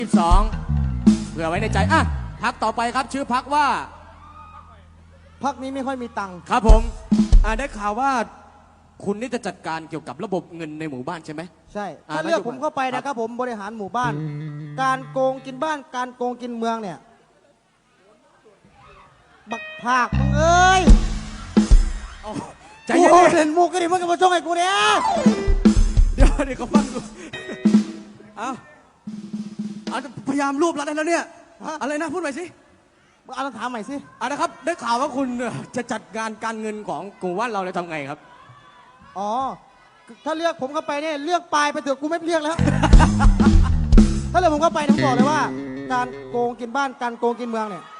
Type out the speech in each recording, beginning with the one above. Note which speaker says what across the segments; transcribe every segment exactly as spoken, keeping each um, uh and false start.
Speaker 1: สิบสองเผื่อไว้ในใจอ่ะพักต่อไปครับชื่อพักว่า
Speaker 2: พักนี้ไม่ค่อยมีตังค์
Speaker 1: ครับผมอ่าได้ข่าวว่าคุณนี่จะจัดการเกี่ยวกับระบบเงินในหมู่บ้านใช่ไหม
Speaker 2: ใช่ถ้าเลือกผมเข้าไปนะครับผมบริหารหมู่บ้านการโกงกินบ้านการโกงกินเมืองเนี่ยบักภาคมึงเอ้ย
Speaker 1: ใจเย็น
Speaker 2: เล่นมุกกันดิมึงก็มาชงให้กูเนี่ย
Speaker 1: เดี๋ยวเดี๋ยวเขาฟังดูเอาเอาพยายามรวบรัดได้แล้วเนี่ยอะไรนะพูดใหม่สิ
Speaker 2: เอาถามใหม่สิ
Speaker 1: อ่ะนะครับได้ข่าวว่าคุณจะจัดการการเงินของกลุ่มว่านเราเลยทำไงครับ
Speaker 2: อ๋อถ้าเลือกผมเข้าไปเนี่ยเลือกปลายไปเถอะกูไม่เลือกแล้วถ้าเลือกผมเข้าไปผมบอกเลยว่า การโกงกินบ้านการโกงกินเมืองเนี่ย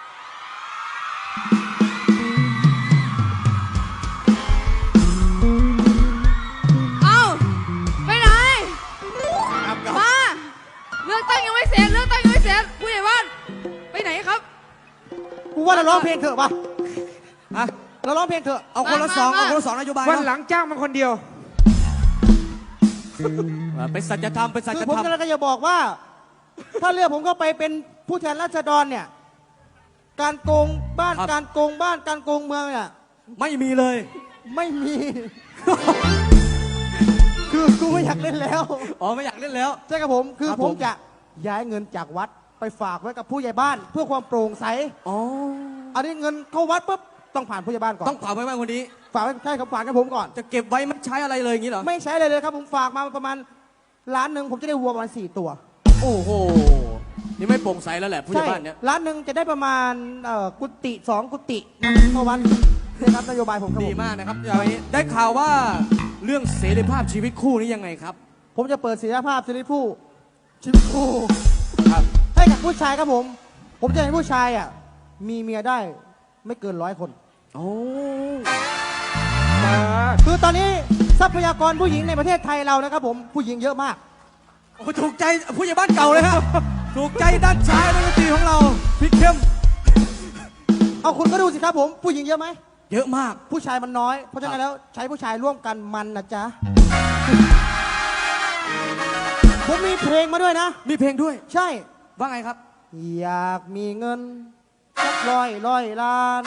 Speaker 3: เอาไปไหนมาเลือกตั้งยังไม่เสร็จเลือกตั้งยังไม่เสร็จผู้ใหญ่บ้านไปไหนครับ
Speaker 2: กูว่าเราร้องเพลงเถอะปะ
Speaker 1: อ่ะ
Speaker 2: เราร้องเพลงเถอะ
Speaker 1: เอาคนละสองเอาคนละสองนโยบาย
Speaker 4: วันหลังจ้างมันคนเดียว
Speaker 1: เป็นสัจธรรมเป็นสัจธรรม
Speaker 2: คือผมกำลังจะบอกว่า ถ้าเลือกผมก็ไปเป็นผู้แทนราษฎรเนี่ยการโกงบ้านการโกงบ้านการโกงเมืองเนี่ย
Speaker 1: ไม่มีเลย
Speaker 2: ไม่มี คือกูไม่อยากเล่นแล้ว
Speaker 1: อ๋อไม่อยากเล่นแล้ว
Speaker 2: ใช่ครับผมคือผมจะย้ายเงินจากวัดไปฝากไว้กับผู้ใหญ่บ้านเพื่อความโปร่งใส
Speaker 1: อ๋อ
Speaker 2: อันนี้เงินเข้าวัดปุ๊บต้องผ่านผู้ใหญ่บ้านก่อน
Speaker 1: ต้องฝากไว้บ้านคนนี้
Speaker 2: ฝากไว้ใช่ครับฝากกับผมก่อน
Speaker 1: จะเก็บไว้ไม่ใช้อะไรเลยอย่างนี้เหรอ
Speaker 2: ไม่ใช้เลยเลยครับผมฝากมาประมาณล้านหนึ่งผมจะได้วัวประมาณสี่ตัว
Speaker 1: โอ้โหนี่ไม่โปร่งใสแล้วแหละผู้ใหญ่บ้านเนี้ย
Speaker 2: ล้านหนึ่งจะได้ประมาณกุฏิสองกุฏิต่อวันนะครับนโยบายผม
Speaker 1: ดีมากนะครับอย่างนี้ได้ข่าวว่าเรื่องเสรีภาพชีวิตคู่นี้ยังไงครับ
Speaker 2: ผมจะเปิดเสรีภาพเสรีผู้ชีวิตคู่
Speaker 1: ครับ
Speaker 2: ให้กับผู้ชายครับผมผมจะให้ผู้ชายอ่ะมีเมียได้ไม่เกินร้อยคน
Speaker 1: โอ้
Speaker 2: คือตอนนี้ทรัพยากรผู้หญิงในประเทศไทยเรานะครับผมผู้หญิงเยอะมาก
Speaker 1: โอ้ถูกใจผู้ใหญ่บ้านเก่าเลยครับถูกใจด้านชายดนตรีของเราพี่เข้ม
Speaker 2: เอาคุณก็ดูสิครับผมผู้หญิงเยอะไหม
Speaker 1: เยอะมาก
Speaker 2: ผู้ชายมันน้อยเพราะฉะนั้นแล้วใช้ผู้ชายร่วมกันมันนะจ๊ะผมมีเพลงมาด้วยนะ
Speaker 1: มีเพลงด้วย
Speaker 2: ใช่
Speaker 1: ว่าไงครับ
Speaker 2: อยากมีเงินสักร้อยร้อยล้าน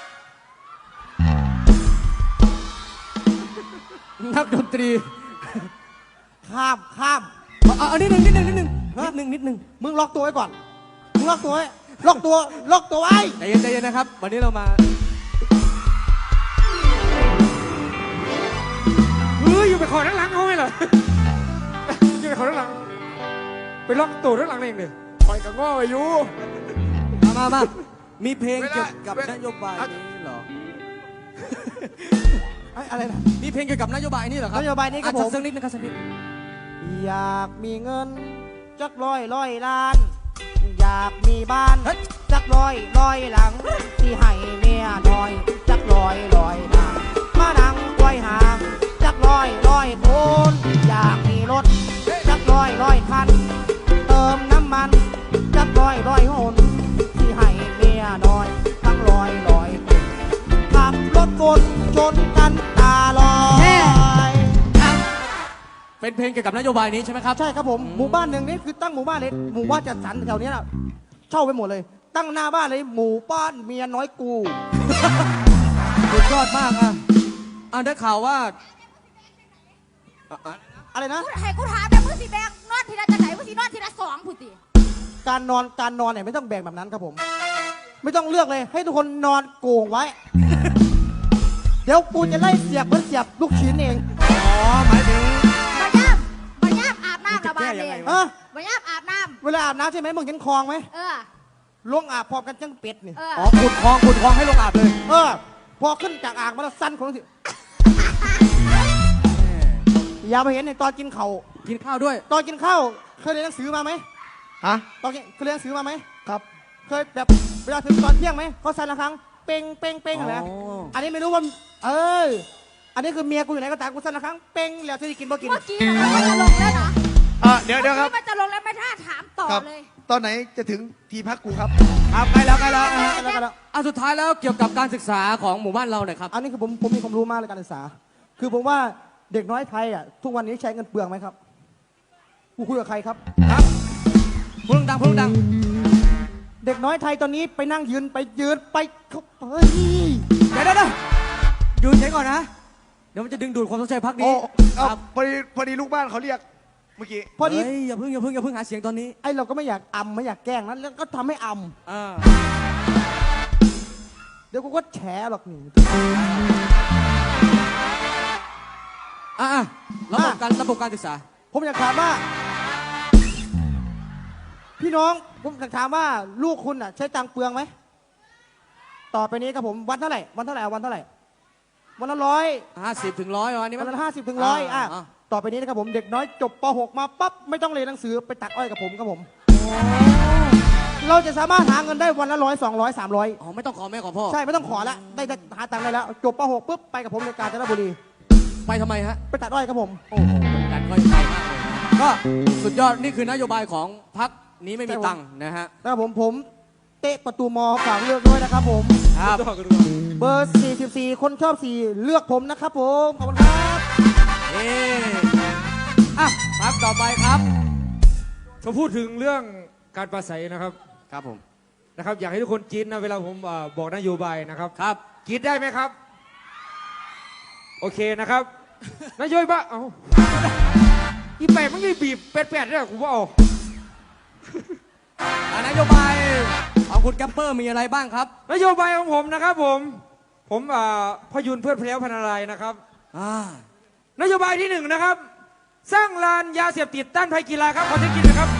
Speaker 1: นักดนตรี
Speaker 2: ข้ามข้าม
Speaker 1: เอาเอานิดหนึ่งนิดหนึ่งนิดหนึ่งนิดหนึ่งนิดหนึ่ง
Speaker 2: มึงล็อกตัวไว้ก่อนมึงล็อกตัวไว้ล็อกตัวล็อกตัวไว้
Speaker 1: ใจเย็นใจเย็นนะครับวันนี้เรามา
Speaker 4: เฮ้ยอยู่ไปขอด้านหลังเขาไหมเหรออยู่ไปขอด้านหลังไปล็อกตัวด้านหลังเองเลยคอยกับง้ออายุ
Speaker 1: มามามามีเพลงเกี่ยวกับนโยบายนี้เหรอ
Speaker 2: อะไรนะ
Speaker 1: มีเพลงเกี่ยวกับนโยบายนี้เหรอครับ
Speaker 2: นโยบายนี้ครับผม
Speaker 1: สักนิดนะครับสักนิด
Speaker 2: อยากมีเงินจักร้อยร้อยล้านอยากมีบ้านจักร้อยร้อยหลังที่ให้เมียน้อยจักร้อยร้อยนางมานั่งไว้ห่างจักร้อยร้อยคนอยากมีรถจักร้อยร้อยคันเติมน้ำมันจักร้อยร้อยหนที่ให้เมียน้อยทั้งร้อยร้อยขับรถวนชนกันตาลอย
Speaker 1: เป็นเพลงเกี่ยวกับนโยบายนี้ใช่ไหมครับ
Speaker 2: ใช่ครับผมหมู่บ้านหนึ่งนี่คือตั้งหมู่บ้านเลยหมู่บ้านจัดสรรแถวนี้นะเช่าไปหมดเลยตั้งหน้าบ้านเลยหมู่บ้านเมียน้อยกู
Speaker 1: สุดยอดมากอ่ะอ่ะได้ข่าวว่า
Speaker 2: อะไรนะ
Speaker 3: ให้กูถามแต่มือสีแบกนอนทีละจะไหนมือสีนอนทีละสองพุติ
Speaker 2: การนอนการนอนเนี่ยไม่ต้องแบ่งแบบนั้นครับผมไม่ต้องเลือกเลยให้ทุกคนนอนโกงไว้เดี๋ยวกูจะไล่เสียบเหมือนเสียบลูกชิ้นเอง
Speaker 1: อ๋อหมายถึง
Speaker 3: บายาบบายาบอาบน้ำระบายเลย
Speaker 2: เอ
Speaker 3: อบายาบอาบน้
Speaker 2: ำเวลาอาบน้ำใช่ไหมมึงเห็นคลองไหม
Speaker 3: เออ
Speaker 2: ลงอาบพร้อมกันจังเป็ดนี่
Speaker 1: อ๋อขุดคลองขุดคลองให้ลงอาบเลย
Speaker 2: เออพอขึ้นจากอ่างมาแล้วสั้นคนสิอย่าไปเห็นในตอนกินข้าว
Speaker 1: กินข้าวด้วย
Speaker 2: ตอนกินข้าวเคยเรียนหนังสือมาไหม
Speaker 1: ฮะ
Speaker 2: ตอนเคยเรียนหนังสือมาไหมครับเคยแบบเวลาถึงตอนเที่ยงไหมเขาสั่นละครั้งเป้งเป้งเป้งอะไรอันนี้ไม่รู้ว่าเอออันนี้คือเมียกูอยู่ไหนก็ตามกูสั่นละครั้งเป้งแล้วจะได้กินบ่กิน
Speaker 3: เมื่อกี้มันจะลงแล้วนะ
Speaker 5: เดี๋ยวเดี๋ยวครับ
Speaker 3: มันจะลงแล้วไม่ท่าถามต่อเลย
Speaker 5: ตอนไหนจะถึงทีพักกูครับ
Speaker 1: ครับใกล้แล้วใกล้แล้วอ่ะสุดท้ายแล้วเกี่ยวกับการศึกษาของหมู่บ้านเราหน่อยครับ
Speaker 2: อันนี้คือผมผมมีความรู้มากในการศึกษาคือผมว่าเด็กน้อยไทยอ่ะทุกวันนี้ใช้เงินเปลืองไหมครับกูคุยกับใครครับ
Speaker 1: ครับคุณพูดดัง
Speaker 2: เด็กน้อยไทยตอนนี้ไปนั่งยืนไปยืนไปเขาเฮ้ย
Speaker 1: เดี๋ยวเดี๋ยวเดี๋ยวยืนเฉยก่อนนะ เดี๋ยวมันจะดึงดูดความสนใจพัก
Speaker 5: โอ้
Speaker 1: นี้
Speaker 5: เอา
Speaker 1: ครับ
Speaker 5: พอดีพอดีลูกบ้านเขาเรียกเมื่อกี้
Speaker 2: พอดี
Speaker 1: เฮ้ยอย่าเพิ่งอย่าเพิ่งอย่าเพิ่งหาเสียงตอนนี้
Speaker 2: ไอ้เราก็ไม่อยากอำไม่อยากแกล้งนั้นแล้วก็ทำให้อ
Speaker 1: อ่า
Speaker 2: ำเดี๋ยวกูก็แฉหรอกนี่
Speaker 1: อ่ะอ่ะระบบการระบบการศึกษา
Speaker 2: ผมอยากถามว่า พี่น้องผมอยากถามว่าลูกคุณอ่ะ ใช้ตังค์เปลืองไหมต่อไปนี้ครับผมวันเท่าไหร่วันเท่าไหร่เอาวันเท่าไหร่วันละร้อย
Speaker 1: ห้าสิบถึงร้อยวันนี้
Speaker 2: วั
Speaker 1: มัน น
Speaker 2: ละห้าสิบถึงร้อยอ่ะ
Speaker 1: อ่า
Speaker 2: ต่อไปนี้นะครับผมเด็กน้อยจบป .หก มาปั๊บไม่ต้องเรียนหนังสือไปตัดอ้อยกับผมครับผม เราจะสามารถหาเงินได้วันละร้อยสองร้อยสามร้อย
Speaker 1: อ๋อไม่ต้องขอแม่ขอพ่อ
Speaker 2: ใช่ไม่ต้องขอแล้วได้ได้หาตังค์ได้แล้ว จบป .หก ปุ๊บไปกับผมในกาญจนบุรี
Speaker 1: ไปทำไมฮะ
Speaker 2: ไปตัดอ้อยครับผม
Speaker 1: โอ้โหดันก็ยังไกลมากเลยนะก็สุดยอดนี่คือนโยบายของพักนี้ไม่มีตังค์นะฮะ
Speaker 2: นะครับผมผมเตะประตูมอฝากเลือกด้วยนะครับผม
Speaker 1: ครับ
Speaker 2: เบอร์สี่สิบสี่คนชอบสี่เลือกผมนะครับผมขอบคุณครับ
Speaker 1: เออ่ะพักต่อไปครับ
Speaker 4: เขาพูดถึงเรื่องการปราศัยนะครับ
Speaker 1: ครับผม
Speaker 4: นะครับ อยากให้ทุกคนกรีดนะเวลาผมเอ่อบอกนโยบายนะครับ
Speaker 1: ครับ
Speaker 4: กรีดได้ไหมครับ โอเคนะครับ นโยบายเอาอีแปดมันยี่บีบแปดแปดเนี่ยกูว่าเอา
Speaker 1: อ่ะนโยบายของคุณแกปเปอร์มีอะไรบ้างครับ
Speaker 4: นโยบายของผมนะครับผม ผมเอ่อพยุนเพื่อนเพลี้ยวพันอะไรนะครับ
Speaker 1: อ่า
Speaker 4: นโยบายที่หนึ่งนะครับ สร้างลานยาเสพติดต้านภัยกีฬาครับขอเช็คกินนะครับ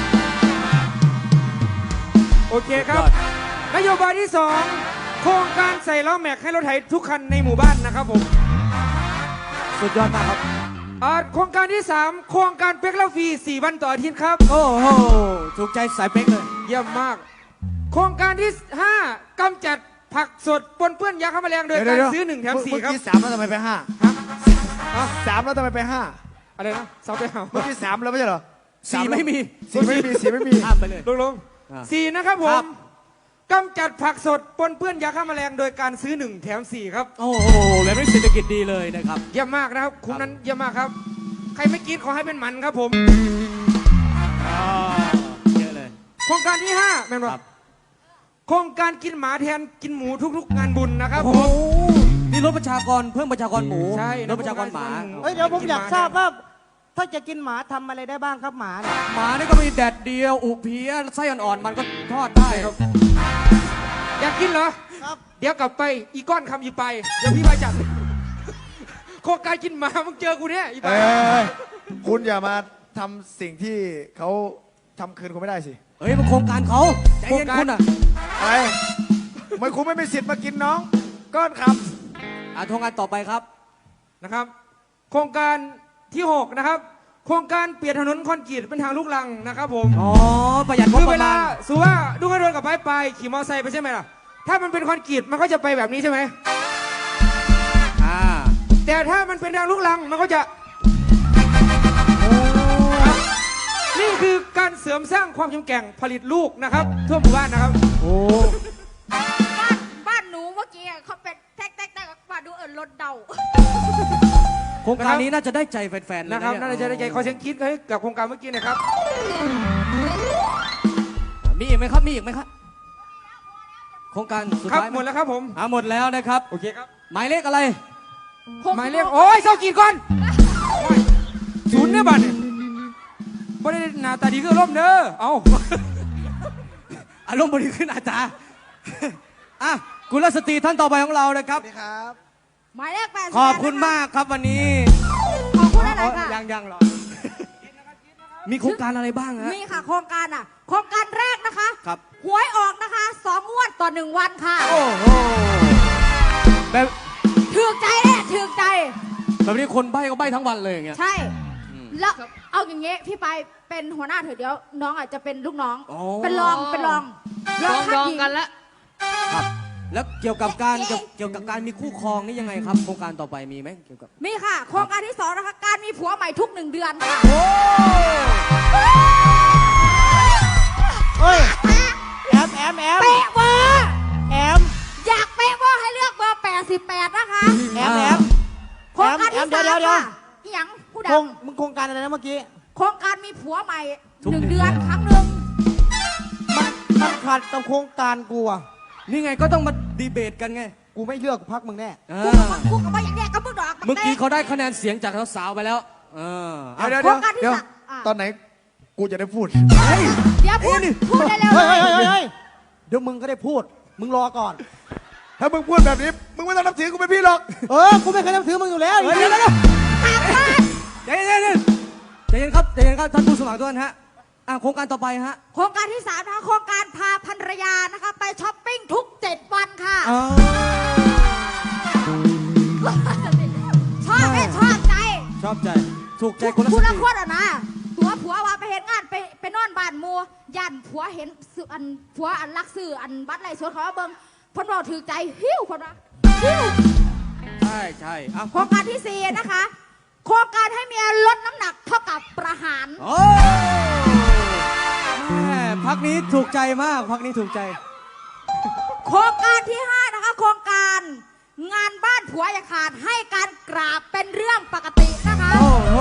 Speaker 4: โอเคครับ นโยบายที่สองโครงการใส่ล้อแม็กให้รถไถทุกคันในหมู่บ้านนะครับผม
Speaker 1: สุดยอดมากครับ
Speaker 4: อ่าโครงการที่สามโครงการเป๊กเล่าฟรีสี่วันต่ออาทิตย์ครับ
Speaker 1: โอ้โหถูกใจสายเป๊กเลย
Speaker 4: เยี่ยมมาก โครงการที่ห้ากำจัดผักสดปนเปื้อนยาฆ่าแมลงโดยการซื้อหนึ่งแถมสี่ครับ
Speaker 5: เมื่อกี้สามแล้วทำไมไปห้า
Speaker 4: ฮะอ่ะ
Speaker 5: สามแล้วทำไมไปห้า
Speaker 4: อะไรนะสาวไปหา
Speaker 5: เมื่อกี้สามแล้วไม่ใช่เหรอ
Speaker 1: สี่ไม่มี
Speaker 5: สี่ไม่มีสี่ไม่มี
Speaker 1: ข้ามไปเลย
Speaker 4: ลงลง
Speaker 1: อ่า
Speaker 4: สี่นะครับผ
Speaker 1: ครั
Speaker 4: ม
Speaker 1: บ
Speaker 4: กำจัดผักสดปนเปื้อนยาฆ่าแมลงโดยการซื้อหนึ่งแถมสี่ครับ
Speaker 1: โอ้โหแบบนี้เศรษฐกิจดีเลยนะครับ
Speaker 4: เยี่ยมมากนะครับคุ้มนั้นเยี่ยมมากครับ ใครไม่กินขอให้เป็นหมันครับผม
Speaker 1: เยอะเลย
Speaker 4: โครงการที่ห้าแม่น
Speaker 1: ค
Speaker 4: บ่
Speaker 1: รับ
Speaker 4: โครงการกินหมาแทนกินหมูทุกๆ งานบุญนะครับ
Speaker 1: โอ้
Speaker 4: ผ
Speaker 1: โห
Speaker 4: ม
Speaker 1: นี่ลดประชากรเพิ่มประชากรหมู
Speaker 4: ใช่
Speaker 1: ลดประชากรหมา
Speaker 2: เอ้ยเดี๋ยวผมอยากทราบว่าถ้าจะกินหมาทำอะไรได้บ้างครับหมาเนี่ย
Speaker 1: หมานี่ก็มีแดดเดียวอุเพียไส้อ่อนๆมันก็ทอดได้
Speaker 4: ครับ อยากกินเหรอ
Speaker 2: ครับ
Speaker 4: เดี๋ยวกลับไปอีก้อนคำอีไป เดี๋ยวพี่ไปจัดโครงการกินหมามึงเจอกูเนี่ยอีไป
Speaker 5: เอ้ยคุณอย่ามาทำสิ่งที่เขาทำคืนคุณไม่ได้สิ
Speaker 1: เฮ้ยมันโครงการเขาใจเย็นคุณอ่ะ
Speaker 5: อะไรทำไมคุณไม่มีสิทธิ์มากินน้อง ก้อนค
Speaker 1: อ่ะโครงการต่อไปครับ
Speaker 4: นะครับ โครงการที่หกนะครับ โครงการเปลี่ยนถนนคอนกรีตเป็นทางลูกรังนะครับผม
Speaker 1: อ๋อ ประหยัดงบ
Speaker 4: คือ
Speaker 1: ป
Speaker 4: เว
Speaker 1: ระ
Speaker 4: ลา
Speaker 1: มาณ
Speaker 4: สมมติว่าลูกกระโดนกับไปไปขี่มอเตอร์ไซค์ไปใช่ไหมล่ะ ถ้ามันเป็นคอนกรีตมันก็จะไปแบบนี้ใช่ไหม
Speaker 1: อ่า
Speaker 4: แต่ถ้ามันเป็นทางลูกรังมันก็จะนี่คือการเสริมสร้างความเข้มแข็งผลิตลูกนะครับทั่วหมู่บ้านนะครับ
Speaker 1: โอ้
Speaker 3: บ้านบ้านหนูเมื่อกี้อะเขาเป็นแท็กแท็กแท็กบ้านดูเอิญรถเดา
Speaker 1: โครงการนี้น่าจะได้ใจแฟนๆเลย
Speaker 4: นะครับ
Speaker 1: เย
Speaker 4: น่าจะได้ใจขอเสียงคิดให้กับโครงการเมื่อกี้หนะครับ
Speaker 1: มีอีกไหมครับ มีอีกไหมครับ โครงการสุด
Speaker 4: ครับ
Speaker 1: ท้าย
Speaker 4: หมดแล้วครับผม
Speaker 1: อ่าหมดแล้วนะครับ
Speaker 4: โอเคครับ
Speaker 1: หมายเลขอะไร
Speaker 4: หมายเลขโอ้ยเศร้ากีดก่อนโอ้ยศูนย์เนี่ยบัตรเนี่ยไม่ได้หน้าตาดีก็ร่มเด้อเอา
Speaker 1: อารมณ์บดีขึ้นอาจารย์ อ่ะกุลสตรีท่านต่อไปของเรานะครับ
Speaker 5: ำนี่ครับ
Speaker 3: หมายเลขแปด
Speaker 1: ขอบคุณมากครับวันนี้
Speaker 3: ขอบคุณอะไรค่ะ
Speaker 1: ยังยังหรอ มีโครงการอะไรบ้างฮะ
Speaker 3: มีค่ะโครงการอ่ะ โครงการแรกนะคะ
Speaker 1: ครับ
Speaker 3: หวยออกนะคะสองงวดต่อหนึ่งวันค่ะ
Speaker 1: โอ้โหแบบ
Speaker 3: ถือใจเนี่ยถือใจ
Speaker 1: แบบนี้คนใบ้ก็ใบ้ทั้งวันเลยอย่างเงี้ย
Speaker 3: ใช่ แล้วเอาอย่างเงี้ยพี่ไปเป็นหัวหน้าเถอะเดี๋ยวน้องอาจจะเป็นลูกน้อง
Speaker 1: อ๋อ
Speaker 3: เป็นรองเป็นรองรองคัดหญิง
Speaker 1: ครับ แล้วเกี่ยวกับการเกี่ยวเกี่ยวกับการมีคู่ครองนี่ยังไงครับ โครงการต่อไปมีไหมเกี่ยวกับ
Speaker 3: มีค่ะ โครงการที่สองนะคะ การมีผัวใหม่ทุกหนึ่งเดือนค่ะ
Speaker 2: เฮ้ยแอมแอมแอม
Speaker 3: เป๊ะเวอร์
Speaker 2: แอม
Speaker 3: อยากเป๊ะเวอร์ให้เลือกเบอร์แปดสิบแปดนะคะ
Speaker 2: แอมแอม
Speaker 3: โครงการที่
Speaker 2: แอมเดี๋
Speaker 3: สาย
Speaker 2: ว
Speaker 3: ม
Speaker 2: เดี๋ยว
Speaker 3: ค่ะอีหยังผู้
Speaker 2: โค
Speaker 3: ดั
Speaker 2: รง
Speaker 3: ง
Speaker 2: มึงโครงการอะไรนะเมื่อกี้
Speaker 3: โครงการมีผัวใหม่
Speaker 1: ทุก
Speaker 3: หนึ่ง
Speaker 1: เดื
Speaker 3: เดื
Speaker 1: อ
Speaker 3: อน นครั้งหนึ่ง
Speaker 2: านตามโครงการกูอะ
Speaker 1: นี่ไงก็ต้องมาดีเบตกันไง
Speaker 2: กูไม่เลือกพักมึงแน่
Speaker 1: เอ
Speaker 3: กู
Speaker 1: อ
Speaker 3: กับกูกับว่าอย่างเนี้ยกับมึงดอก
Speaker 1: เมื่อกี้เขาได้คะแนนเสียงจากสาวๆไปแล้ว เอออ่ะ
Speaker 5: เดี๋ยว
Speaker 3: โคร
Speaker 5: เดี๋ยว
Speaker 3: งการที่
Speaker 5: เดี๋ยว
Speaker 3: สามอ่ะ
Speaker 5: ตอนไหนกูจะได้พูด
Speaker 1: เฮ้ย
Speaker 3: เดี๋ยวพูดพูดได้เร็ว
Speaker 2: เฮ้ย
Speaker 3: เล
Speaker 2: เฮ้ย
Speaker 3: ย
Speaker 2: เฮ้ยเฮ้ยเดี๋ยวมึงก็ได้พูด มึงรอก่อน
Speaker 5: ถ้ามึงพูดแบบนี้ มึงไม่ต้องนับถือกูเป็นพี่หรอก
Speaker 2: เออ กูไม่เคยนับถือมึงอยู่แล้ว
Speaker 1: เฮ้ยเดี๋ยวเดี๋ยวเดี๋ยวใจเย็นใจเย็นใจเย็นครับใจเย็นครับท่านผู้สมัครทุกท่านฮะอ่ะโครงการต่อไปฮะ
Speaker 3: โครงการที่สามนะคะโครงการพาภรรยานะคะไปช้อปปิ้งทุกเจ็ดวันค่ะ
Speaker 1: อ๋อ
Speaker 3: ชอบไหมชอบใจ
Speaker 1: ชอบใจถูกใจคนละ
Speaker 3: คุณ
Speaker 1: ส
Speaker 3: ละ
Speaker 1: ติ
Speaker 3: คนอ่ะนะตัวผัวว่าไปเห็นงานไปไปนอนบ้านหมูย่านผัวเห็นสื่ออันผัวอันลักสื่ออันบัตรไรสวนเขาว่าเบิ่งเพ่นบอกถือใจหิ้วเพ่นว่าหิ้ว
Speaker 1: ใช่ใช่อ่ะ
Speaker 3: โครงการที่สี่นะคะ โครงการให้เมียลดน้ำหนักเท่ากับประหาร
Speaker 1: โอ้แม่พักนี้ถูกใจมากพักนี้ถูกใจ
Speaker 3: โครงการที่ห้านะคะโครงการงานบ้านผัวอย่าขาดให้การกราบเป็นเรื่องปกตินะคะ
Speaker 1: โอ้โห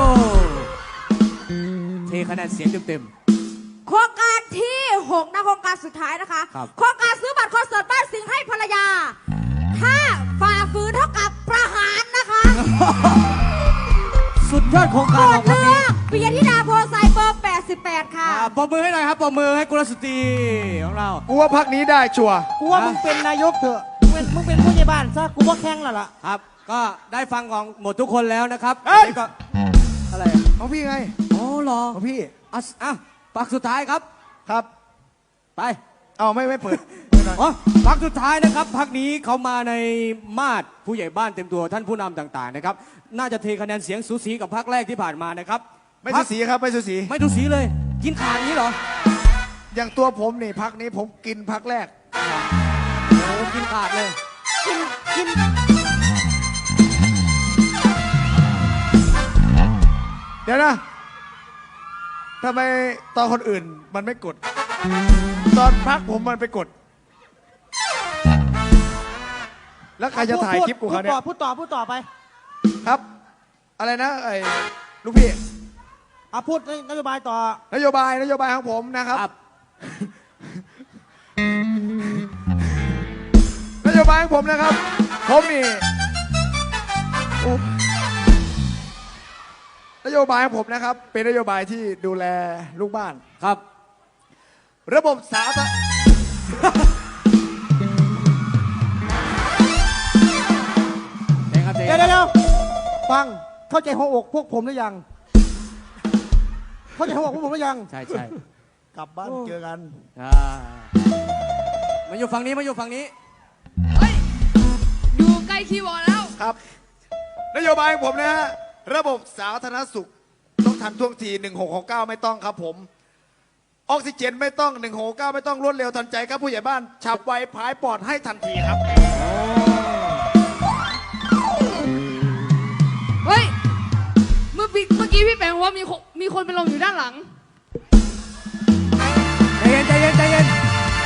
Speaker 1: เทคะแนนเสียงเต็ม
Speaker 3: โครงการที่หกนะโครงการสุดท้ายนะคะ
Speaker 1: ครับ
Speaker 3: โครงการซื้อบัตรคอนเสิร์ตบ้านสิงห์ให้ภรรยา ถ้าฝ่าฝืนเท่ากับประหารนะคะ
Speaker 1: ๆสุดยอดโครง
Speaker 3: โป
Speaker 1: การ
Speaker 3: ร
Speaker 1: ขอ
Speaker 3: ด
Speaker 1: งพัก
Speaker 3: เลื
Speaker 1: นี้
Speaker 3: อกปิยธิดาโพไซเบอร์แปดสิบแปดค่ะ
Speaker 1: อ่าปรบมือให้หน่อยครับปรบมือให้กุลสตรีของเรา
Speaker 5: กูว่าพักนี้ได้ชัวร์
Speaker 2: กูว่ามึงเป็นนายกเถอะมึงเป็นมึงเป็นผู้ใหญ่บ้านซะ กูว่าแข่งแล้วล่ะ
Speaker 1: ครับ ก็ได้ฟังของหมดทุกคนแล้วนะครับ
Speaker 5: เอ้ย
Speaker 1: วันนี้ก็อะไรอ่ะ
Speaker 5: ของพี่ไง
Speaker 1: อ๋อเหรอ
Speaker 5: ของพี่
Speaker 1: อ่ะอ่ะปักสุดท้ายครับ
Speaker 5: ครับ
Speaker 1: ไป
Speaker 5: เอาไม่ไม่เปิดไม่หน่อย
Speaker 1: อ๋อพักสุดท้ายนะครับพักนี้เขามาในมาดผู้ใหญ่บ้านเต็มตัวท่านผู้นำต่างๆนะครับ น่าจะเทคะแนนเสียงสูสีกับพักแรกที่ผ่านมานะครับ
Speaker 5: ไม่สูสีครับไม่สูสี
Speaker 1: ไม่ดูสีเลย กินขาดนี้เหรอ
Speaker 5: อย่างตัวผมนี่พักนี้ผมกินพักแรก
Speaker 1: โอ้กินขาดเลย
Speaker 2: กิน กิน
Speaker 5: เดี๋ยวนะทำไมตอนคนอื่นมันไม่กด ตอนพักผมมันไปกด แล้วใครจะถ่ายคลิปกูเขาเนี่ย
Speaker 2: พูดต่อ พูดต่อ พูดต่อไป
Speaker 5: ครับ อะไรนะไอ้ลูกพี่
Speaker 2: อ่ะพูดนโยบายต่อ
Speaker 5: นโยบายนโยบายของผมนะครับ
Speaker 1: ครับ
Speaker 5: นโยบายของผมนะครับ ผมนี่โอ้นโยบายของผมนะครับ เป็นนโยบายที่ดูแลลูกบ้าน
Speaker 1: ครับ
Speaker 5: ระบบสาธารณ
Speaker 1: เองครับเจ๊
Speaker 2: เดี๋ยวเดี๋ยวเดี๋ยวฟัง เข้าใจหัวอกพวกผมหรือยัง เข้าใจหัวอกพวกผมหรือยัง
Speaker 1: ใช่ใช่
Speaker 5: กลับบ้านเจอกัน
Speaker 1: อ่ามาอยู่ฝั่งนี้มาอยู่ฝั่งนี้
Speaker 3: เฮ้ย อยู่ใกล้คีย์บอร์ดแล้ว
Speaker 5: ครับ นโยบายของผมนะฮะระบบสาธารณสุขต้องทันท่วงทีหนึ่งหกหกเก้าไม่ต้องครับผม ออกซิเจนไม่ต้องหนึ่งหกเก้าไม่ต้องรวดเร็วทันใจครับผู้ใหญ่บ้านฉับไวพายปอดให้ทันทีครับ
Speaker 3: เฮ้ย เมื่อพี่เมื่อกี้พี่แปงว่ามีคนมีคนเป็นลมอยู่ด้านหลัง
Speaker 1: ใจเย็นใจเย็นใจเย็น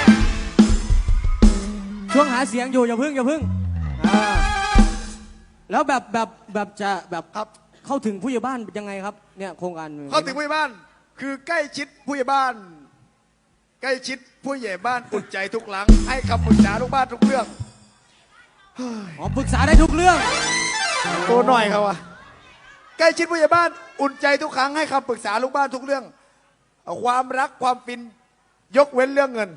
Speaker 1: ช่วงหาเสียงอยู่อย่าพึ่งอย่าพึ่งอ่าแล้วแบบแบบแบบจะแบบ
Speaker 5: ครับ
Speaker 1: เข้าถึงผู้ใหญ่บ้านยังไงครับเนี่ยโครงการ
Speaker 5: เข้าถึงผู้ใหญ่บ้านคือใกล้ชิดผู้ใหญ่บ้าน ใกล้ชิดผู้ใหญ่บ้านอุ่นใจทุกหลัง ให้คำปรึกษาทุกบ้านทุกเรื่อง
Speaker 1: อ๋อปรึกษาได้ทุกเรื่อง
Speaker 5: ตัวหน่อยเขาอะใกล้ชิดผู้ใหญ่บ้านอุ่นใจทุกครั้งให้คำปรึกษาลูกบ้านทุกเรื่องเอาความรักความฟินยกเว้นเรื่องเงิน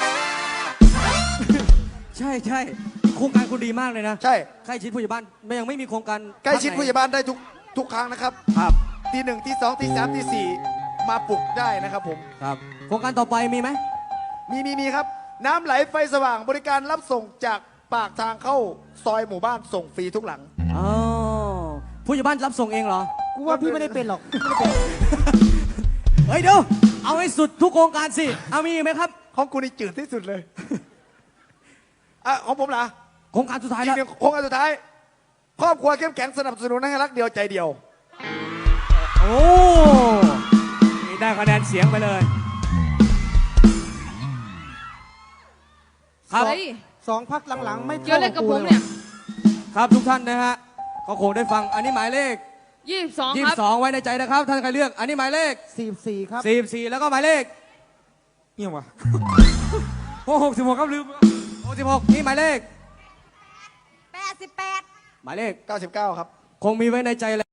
Speaker 1: ใช่ใช่โครงการคุณดีมากเลยนะ
Speaker 5: ใช่
Speaker 1: ใกล้ชิดผู้ใหญ่บ้านไม่ยังไม่มีโครงการ
Speaker 5: ใกล้ชิดผู้ใหญ่บ้านได้ทุกทุกครั้งนะครับ
Speaker 1: ครับ
Speaker 5: ทีหนึ่งทีสองทีสามทีสี่มาปลุกได้นะครับผม
Speaker 1: ครับ โครงการต่อไปมีไหม
Speaker 5: มีมีมีครับ น้ำไหลไฟสว่างบริการรับส่งจากปากทางเข้าซอยหมู่บ้านส่งฟรีทุกหลัง
Speaker 1: อ๋อผู้ใหญ่บ้านรับส่งเองเหรอ
Speaker 2: กูว่าพี่ไม่ได้เป็นหรอก
Speaker 1: เฮ้ยเดี๋ยวเอาให้สุดทุกโครงการสิเอามีอีกไหมครับ
Speaker 5: ของกูนี่จืดที่สุดเลย อ่ะของผมล่ะ
Speaker 1: โครงการสุดท้าย
Speaker 5: อีก
Speaker 1: แล้ว
Speaker 5: หนึ่งโครงการสุดท้าย ครอบครัวเข้มแข็งสนับสนุนให้รักเดียวใจเดียว
Speaker 1: โอ้นี่ได้คะแนนเสียงไปเลยครับ
Speaker 3: เฮ้ย
Speaker 2: สองพักหลังๆ ไม่
Speaker 3: เกี่ยวอะไรกับผมเนี่ย
Speaker 1: ครับทุกท่านนะฮะก็คงได้ฟังอันนี้หมายเลข
Speaker 3: ยี่สิบสอง
Speaker 1: ยี่
Speaker 3: ค
Speaker 1: สิ
Speaker 3: รับบ
Speaker 1: สองไว้ในใจนะครับ ท่านใครเลือกอันนี้หมายเลข
Speaker 2: สี่สี่ครับ
Speaker 1: สี่สี่แล้วก็หมายเลข
Speaker 4: เอี่ยมวะโอ้หกสิบหกครับลืม
Speaker 1: หกสิบหกนี่หมายเลข
Speaker 3: แปดสิบแปด
Speaker 1: หมายเลข
Speaker 5: เก้าสิบเก้าครับ
Speaker 1: คงมีไว้ในใจแล้ว